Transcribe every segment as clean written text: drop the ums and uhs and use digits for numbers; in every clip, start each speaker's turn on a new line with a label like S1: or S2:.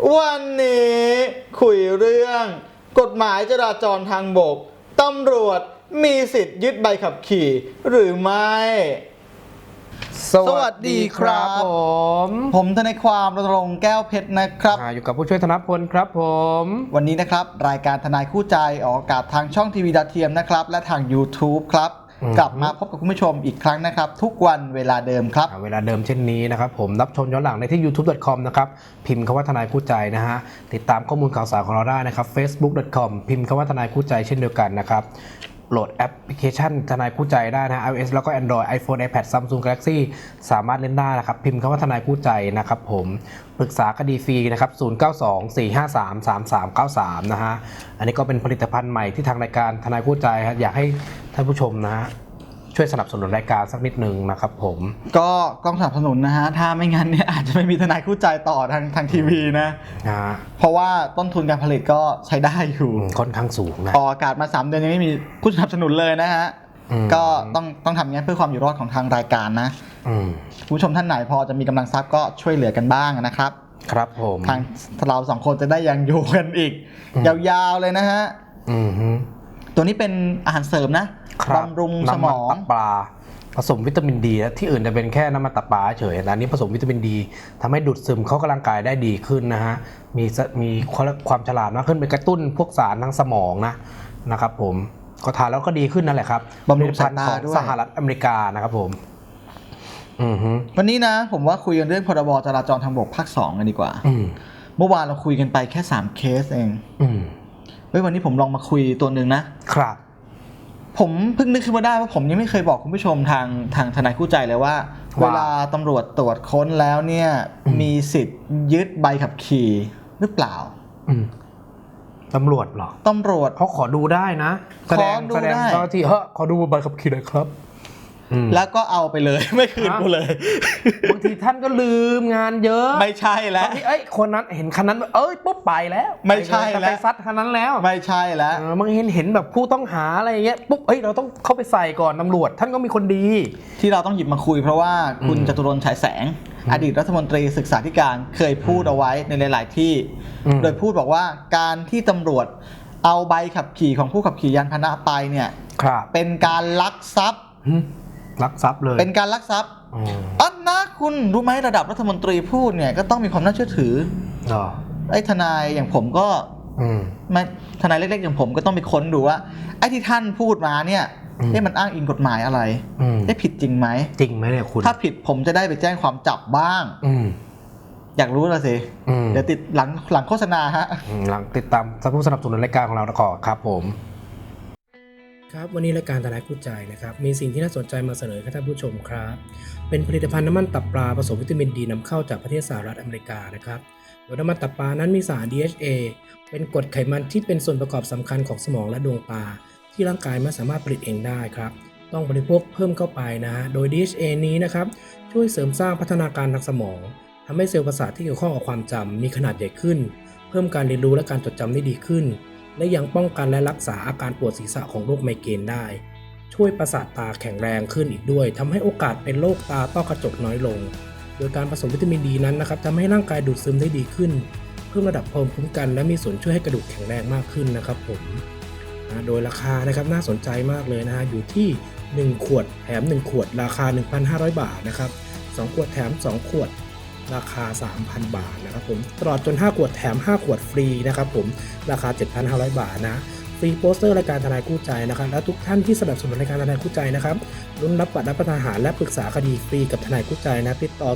S1: วันนี้คุยเรื่องกฎหมายจราจรทางบกตำรวจมีสิทธิ์ยึดใบขับขี่หรือไม่สวัสดีครับผมทนายความรณรงค์แก้วเพชรนะครับ
S2: อยู่กับผู้ช่วยธนพลครับผม
S1: วันนี้นะครับรายการทนายคู่ใจออกอากาศทางช่องทีวีดาวเทียมนะครับและทาง YouTube ครับกลับมาพบกับคุณผู้ชมอีกครั้งนะครับทุกวันเวลาเดิมครับ
S2: เวลาเดิมเช่นนี้นะครับผมรับชมย้อนหลังได้ที่ youtube.com นะครับพิมพ์คำว่าทนายคู่ใจนะฮะติดตามข้อมูลข่าวสารของเราได้นะครับ facebook.com พิมพ์คำว่าทนายคู่ใจเช่นเดียวกันนะครับโหลดแอปพลิเคชันทนายคู่ใจได้นะ iOS แล้วก็ Android iPhone iPad Samsung Galaxy สามารถเล่นได้นะครับพิมพ์คำว่าทนายคู่ใจนะครับผมปรึกษาคดีฟรีนะครับ0924533393นะฮะอันนี้ก็เป็นผลิตภัณฑ์ใหม่ที่ทางรายการทนายคู่ใจอยากให้ท่านผู้ชมนะฮะช่วยสนับสนุนรายการสักนิดนึงนะครับผม
S1: ก็ต้องสนับสนุนนะฮะถ้าไม่งั้นเนี่ยอาจจะไม่มีทนายคู่ใจต่อทางทีวีนะเพราะว่าต้นทุนการผลิตก็ใช้ได้อยู่
S2: ค่อนข้างสูงนะ
S1: ออกอากาศมา3 เดือนยังไม่มีผู้สนับสนุนเลยนะฮะก็ต้องทำงั้นเพื่อความอยู่รอดของทางรายการนะผู้ชมท่านไหนพอจะมีกำลังทรัพย์ก็ช่วยเหลือกันบ้างนะครับ
S2: ครับผม
S1: ทางเรา2 คนจะได้ยังอยู่กันอีกยาวๆเลยนะฮะตัวนี้เป็นอาหารเสริมนะบำรุงสมอง
S2: น้ำมันตับปลาผสมวิตามินดีที่อื่นจะเป็นแค่น้ำมันตับปลาเฉยแต่อันนี้ผสมวิตามินดีทำให้ดูดซึมเข้ากับร่างกายได้ดีขึ้นนะฮะมีความฉลาดมากขึ้นเป็นกระตุ้นพวกสารทางสมองนะครับผมก็ทานแล้วก็ดีขึ้นนั่นแหละครับ
S1: บำรุงสายตาด้วย
S2: สหรัฐอเมริกานะครับผม
S1: วันนี้นะผมว่าคุยกันเรื่องพรบจราจรทางบกภาค 2กันดีกว่าเมื่อวานเราคุยกันไปแค่3 เคสเองวันนี้ผมลองมาคุยตัวหนึ่งนะครับผมเพิ่งนึกขึ้นมาได้ว่าผมยังไม่เคยบอกคุณผู้ชมทางทนายคู่ใจเลยว่าเวลาตำรวจตรวจค้นแล้วเนี่ยมีสิทธิ์ยึดใบขับขี่หรือเปล่า
S2: ตำรวจเหรอ
S1: ตำรวจ
S2: เขาขอดูได้นะแสดงเจ้าหน้าที่ขอดูใบขับขี่หน่อยครับ
S1: แล้วก็เอาไปเลยไม่คืนกูเลย
S2: บางทีท่านก็ลืมงานเยอะ
S1: ไม่ใช่แล้ว
S2: คนนั้นเห็นคันนั้นปุ๊บไปแล้ว
S1: ไม่ใช่แล้ว
S2: ไปซัดคันนั้นแล้ว
S1: ไม่ใช่แล้ว
S2: บางเห็นแบบผู้ต้องหาอะไรอย่างเงี้ยปุ๊บเราต้องเข้าไปใส่ก่อนตำรวจท่านก็มีคนดี
S1: ที่เราต้องหยิบมาคุยเพราะว่าคุณจตุรนต์ฉายแสงอดีตรัฐมนตรีศึกษาธิการเคยพูดเอาไว้ในหลายๆที่โดยพูดบอกว่าการที่ตำรวจเอาใบขับขี่ของผู้ขับขี่ยานพาหนะไปเนี่ยเป็นการลักทรัพย์
S2: เลย
S1: เป็นการลักทรัพย์นะคุณรู้ไหมระดับรัฐมนตรีพูดเนี่ยก็ต้องมีความน่าเชื่อถือไอ้ทนายอย่างผมก็ทนายเล็กๆอย่างผมก็ต้องไปค้นดูว่าไอ้ที่ท่านพูดมาเนี่ยมันอ้างอิงกฎหมายอะไรได้ผิดจริงไหม
S2: เนี่ยคุณ
S1: ถ้าผิดผมจะได้ไปแจ้งความจับบ้างอยากรู้แล้วสิเดี๋ยวติดหลังโฆษณาฮะ
S2: หลังติดตามผู้สนับสนุนรายการของเราก่อนครับผมครับวันนี้รายการทนายคู่ใจนะครับมีสิ่งที่น่าสนใจมาเสนอให้ท่านผู้ชมครับเป็นผลิตภัณฑ์น้ำมันตับปลาผสมวิตามินดีนำเข้าจากประเทศสหรัฐอเมริกานะครับโดยน้ำมันตับปลานั้นมีสาร DHA เป็นกรดไขมันที่เป็นส่วนประกอบสำคัญของสมองและดวงตาที่ร่างกายไม่สามารถผลิตเองได้ครับต้องบริโภคเพิ่มเข้าไปนะฮะโดย DHA นี้นะครับช่วยเสริมสร้างพัฒนาการทางสมองทำให้เซลล์ประสาทที่เกี่ยวข้องกับความจำมีขนาดใหญ่ขึ้นเพิ่มการเรียนรู้และการจดจำได้ดีขึ้นและยังป้องกันและรักษาอาการปวดศีรษะของโรคไมเกรนได้ช่วยประสาทตาแข็งแรงขึ้นอีกด้วยทำให้โอกาสเป็นโรคตาต้อกระจกน้อยลงโดยการผสมวิตามินดีนั้นนะครับทำให้ร่างกายดูดซึมได้ดีขึ้นเพิ่มระดับภูมิคุ้มกันและมีส่วนช่วยให้กระดูกแข็งแรงมากขึ้นนะครับผมโดยราคานะครับน่าสนใจมากเลยนะฮะอยู่ที่1 ขวดแถม1 ขวดราคา 1,500 บาทนะครับ2 ขวดแถม2 ขวดราคา 3,000 บาทนะครับผมตลอดจน5 ขวดแถม5 ขวดฟรีนะครับผมราคา 7,500 บาทนะฟรีโปสเตอร์รายการทนายคู่ใจนะครับและทุกท่านที่สนับสนุนรายการทนายคู่ใจนะครับลุ้นรับบัตรรับประทานอาหารและปรึกษาคดีฟรีกับทนายคู่ใจนะติดต่อ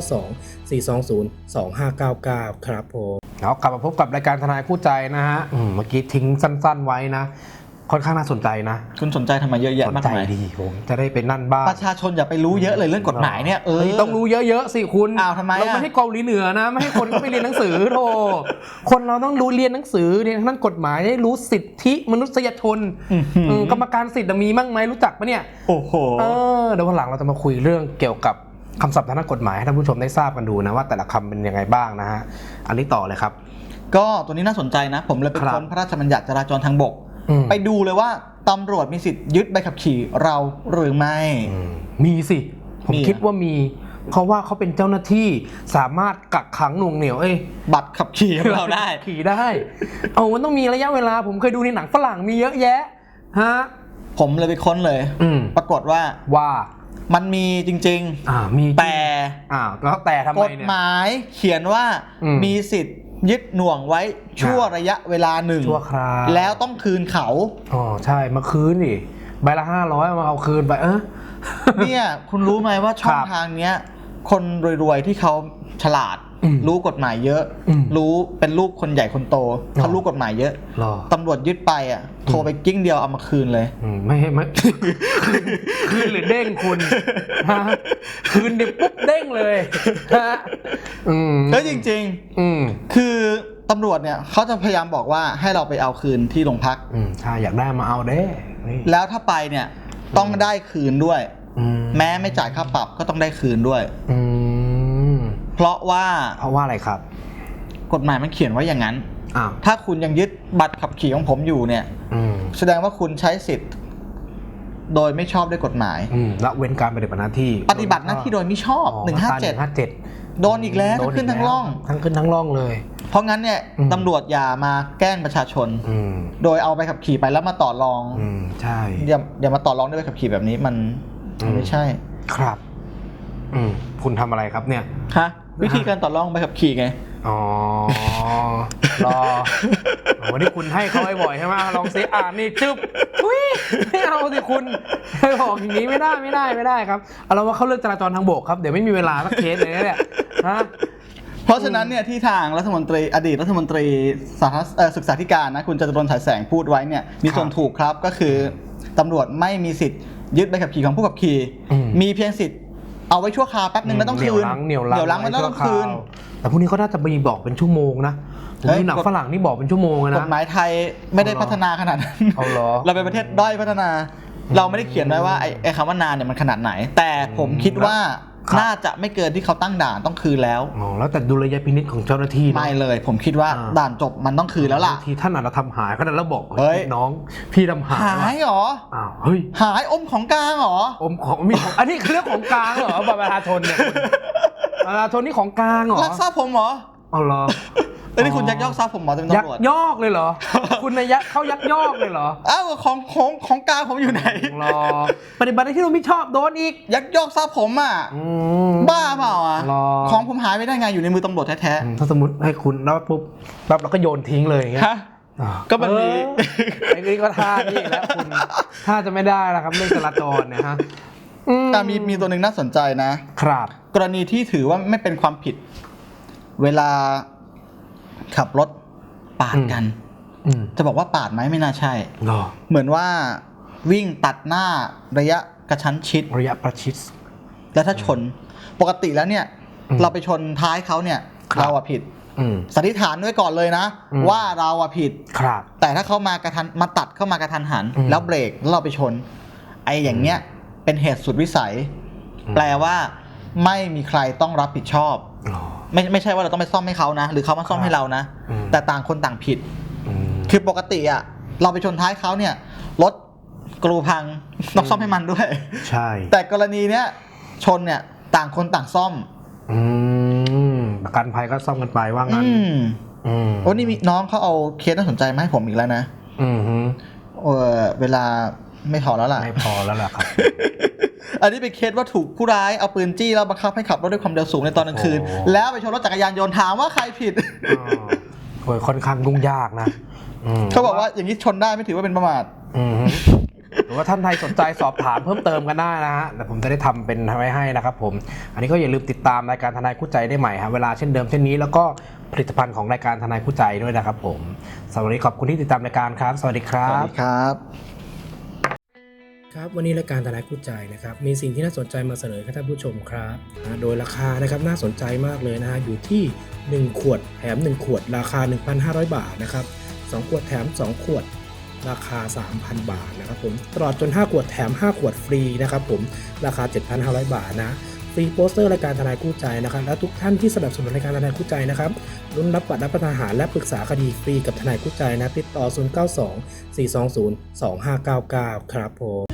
S2: 0924202599ครับผมกลับมาพบกับรายการทนายคู่ใจนะฮะเมื่อกี้ทิ้งสั้นๆไว้นะค่อนข้างน่าสนใจนะ
S1: คุณสนใจทำไมเยอะแยะมากมาย
S2: ดีผมจะได้ไปนั่นบ้าง
S1: ประชาชนอย่าไปรู้เยอะเลยเรื่องกฎหมายเนี่ย
S2: ต้องรู้เยอะๆสิคุณ
S1: ทำไม
S2: เราไม่ให้เกาหลีเหนือนะไม่ให้คนก็ไปเรียนหนังสือโธ่คนเราต้องรู้เรียนหนังสือเรียนทั้งกฎหมายได้รู้สิทธิมนุษยชนกรรมการสิทธิ์มีมั่งไหมรู้จักปะเนี่ย
S1: โอ้โห
S2: เดี๋ยววันหลังเราจะมาคุยเรื่องเกี่ยวกับคำศัพท์ทางกฎหมายให้ท่านผู้ชมได้ทราบกันดูนะว่าแต่ละคำเป็นยังไงบ้างนะฮะอันนี้ต่อเลยครับ
S1: ก็ตัวนี้น่าสนใจนะผมเลยไปค้นพระราชบัญญัติจราจรทางบกไปดูเลยว่าตำรวจมีสิทธิ์ยึดใบขับขี่เราหรือไม่
S2: มีสิผมคิดว่ามีเพราะว่าเขาเป็นเจ้าหน้าที่สามารถกักขังหน่วงเหนี่ยว
S1: บัตรขับขี่ของเราได้
S2: ขี่ได้มันต้องมีระยะเวลาผมเคยดูในหนังฝรั่งมีเยอะแยะฮะ
S1: ผมเลยไปค้นเลยปรากฏว่ามันมีจริงๆ
S2: มี
S1: แต่
S2: แล้วแต่ทำไมเนี่ย
S1: กฎหมายเขียนว่ามีสิทธิ์ยึดหน่วงไว้ชั่วระยะเวลาหนึ่ง
S2: ชั่วคราว
S1: แล้วต้องคืนเขา
S2: ใช่มาคืนดิใบละ500มาเอาคืนไป
S1: เนี่ยคุณรู้ไหมว่าช่องทางเนี้ยคนรวยๆที่เขาฉลาดรู้กฎหมายเยอะรู้เป็นลูกคนใหญ่คนโตเขารู้กฎหมายเยอะตำรวจยึดไปโทรไปกิ้งเดียวเอามาคืนเลย
S2: ไม่คืนหรือเด้งคุณคืนดิปุ๊บเด้งเลย
S1: แล้วจริงๆคือตำรวจเนี่ยเขาจะพยายามบอกว่าให้เราไปเอาคืนที่โรงพัก
S2: ใช่อยากได้มาเอาเด้
S1: แล้วถ้าไปเนี่ยต้องได้คืนด้วยแม้ไม่จ่ายค่าปรับก็ต้องได้คืนด้วยเพราะว่า
S2: อะไรครับ
S1: กฎหมายมันเขียนไว้อย่างนั้นถ้าคุณยังยึดบัตรขับขี่ของผมอยู่เนี่ยแสดงว่าคุณใช้สิทธิ์โดยไม่ชอบด้วยกฎหมาย
S2: ละเว้นการปฏิบัติหน้าที่
S1: โดยไม่ชอบ157โดนอีกแล้วทั้งขึ้นทั้งล่อง
S2: เลย
S1: เพราะงั้นเนี่ยตำรวจอย่ามาแกล้งประชาชนโดยเอาไปขับขี่ไปแล้วมาต่อรอง
S2: ใช่
S1: อย่ามาต่อรองด้วยใบขับขี่แบบนี้มันไม่ใช่
S2: ครับคุณทำอะไรครับเนี่ย
S1: วิธีการต่อรองใบขับขี่ไง
S2: รอวันนี้คุณให้เขาบ่อยใช่ไหมลองซินี่จึ๊บไม่เอาสิคุณบอกอย่างนี้ไม่ได้ครับเอาเราว่าเขาเลือกจราจรทางบกครับเดี๋ยวไม่มีเวลาสักเคสเลยเนี่ย
S1: เพราะฉะนั้นเนี่ยที่ทางอดีตรัฐมนตรีศึกษาธิการนะคุณจตุรนต์ฉายแสงพูดไว้เนี่ยมีส่วนถูกครับก็คือตำรวจไม่มีสิทธิ์ยึดใบขับขี่ของผู้ขับขี่มีเพียงสิทธิ์เอาไว้ชั่วคราวแป๊บนึงแล้วต้องคืน
S2: เหนียวรั้ง
S1: มันต้องคืน
S2: แต่พวกนี้เขาน่าจะมีบอกเป็นชั่วโมงนะผมดูหนังฝรั่งนี่บอกเป็นชั่วโมงนะ
S1: กฎหมายไทยไม่ได้พัฒนาขนาดนั้นเราเป็นประเทศด้อยพัฒนาเราไม่ได้เขียนไว้ว่าไอ้คำว่านานเนี่ยมันขนาดไหนแต่ผมคิดว่าน่าจะไม่เกินที่เขาตั้งด่านต้องคืนแล้ว
S2: แล้วแต่ดุลยพินิจของเจ้าหน้าที่
S1: ไม่เลยผมคิดว่าด่านจบมันต้องคืนแล้วล่ะ
S2: ทีท่านอาจจะทำหายก็ได้แล้วบอกน้องพี่ทำห
S1: ายหรอหายอมของกลางหรอ
S2: อมของมีอันนี้คือเรื่องของกลางเหรอบัตรประชาชนเนี่ยประชาชนนี่ของกลางเหรอ
S1: ลักทรัพย์ผมเหรอ
S2: เหรอ
S1: แล้วนี่คุณยักยอกทรัพย์ผมเหรอเป็นตำรวจ
S2: ยักยอกเลยเหรอคุณเขายักยอกเลยเหรอ
S1: ของกลางผมอยู่ไหน
S2: รอปฏิบัติที่เราไม่ชอบโดนอีก
S1: ยักยอกทรัพย์ผมบ้าเปล่าของผมหายไปได้ไงอยู่ในมือตำรวจแท้
S2: ๆถ้าสมมติให้คุณแล้วปุ๊บแล้วก็โยนทิ้งเลยอย่างเงี้ย
S1: ก็มันมี
S2: ไอ้นี่ก็ท่านี่แล้วคุณท่าจะไม่ได้แล้วครับเรื่องจราจรเนี่ยฮะ
S1: แต่มีตัวหนึ่งน่าสนใจนะครับกรณีที่ถือว่าไม่เป็นความผิดเวลาขับรถปาดกันจะบอกว่าปาดไหมไม่น่าใช่เหมือนว่าวิ่งตัดหน้าระยะกระชั้นชิด
S2: ระยะประชิด
S1: แล้วถ้าชนปกติแล้วเนี่ยเราไปชนท้ายเขาเนี่ยเราผิดสันนิษฐานไว้ก่อนเลยนะว่าเราผิดแต่ถ้าเขามาตัดเข้ามากระทันหันแล้วเบรกแล้วเราไปชนไอ้อย่างเงี้ยเป็นเหตุสุดวิสัยแปลว่าไม่มีใครต้องรับผิดชอบไม่ใช่ว่าเราต้องไปซ่อมให้เขานะหรือเขามาซ่อมให้เรานะแต่ต่างคนต่างผิดคือปกติเราไปชนท้ายเขาเนี่ยรถกรูพังต้องซ่อมให้มันด้วย
S2: ใช่
S1: แต่กรณีเนี้ยชนเนี่ยต่างคนต่างซ่อม
S2: ประกันภัยก็ซ่อมกันไปว่างั้น
S1: โอ้นี่มีน้องเขาเอาเคสน่าสนใจมาให้ผมอีกแล้วนะเวลาไม่พอแล้วล่ะ
S2: ครับ
S1: อันนี้เป็นเคสว่าถูกผู้ร้ายเอาปืนจี้แล้วบังคับให้ขับรถด้วยความเร็วสูงในตอนกลางคืนแล้วไปชนรถจักรยานยนต์ถามว่าใครผิด
S2: ค่อนข้างยุ่งยากนะ
S1: เขาบอกว่าอย่างนี้ชนได้ไม่ถือว่าเป็นประมาท
S2: หรือว่าท่านใดสนใจสอบถามเพิ่มเติมกันได้นะฮะแต่ผมจะได้ทำเป็นไว้ให้นะครับผมอันนี้ก็อย่าลืมติดตามรายการทนายคู่ใจได้ใหม่ครับเวลาเช่นเดิมเช่นนี้แล้วก็ผลิตภัณฑ์ของรายการทนายคู่ใจด้วยนะครับผมสวัสดีขอบคุณที่ติดตามรายการครับสวัสดีครับ
S1: สวัสดีครับ
S2: ครับวันนี้รายการทนายคู่ใจนะครับมีสิ่งที่น่าสนใจมาเสนอให้ท่านผู้ชมครับโดยราคานะครับน่าสนใจมากเลยนะฮะอยู่ที่1ขวดแถม1ขวดราคา 1,500 บาทนะครับ2ขวดแถม2ขวดราคา 3,000 บาทนะครับผมตลอดจน5ขวดแถม5ขวดฟรีนะครับผมราคา 7,500 บาทนะฟรีโปสเตอร์รายการทนายคู่ใจนะครับและทุกท่านที่สนับสนุนรายการทนายคู่ใจนะครับรุ่นรับบัตรรับประทานอาหารและปรึกษาคดีฟรีกับทนายคู่ใจนะติดต่อ 092 420 2599 ครับผม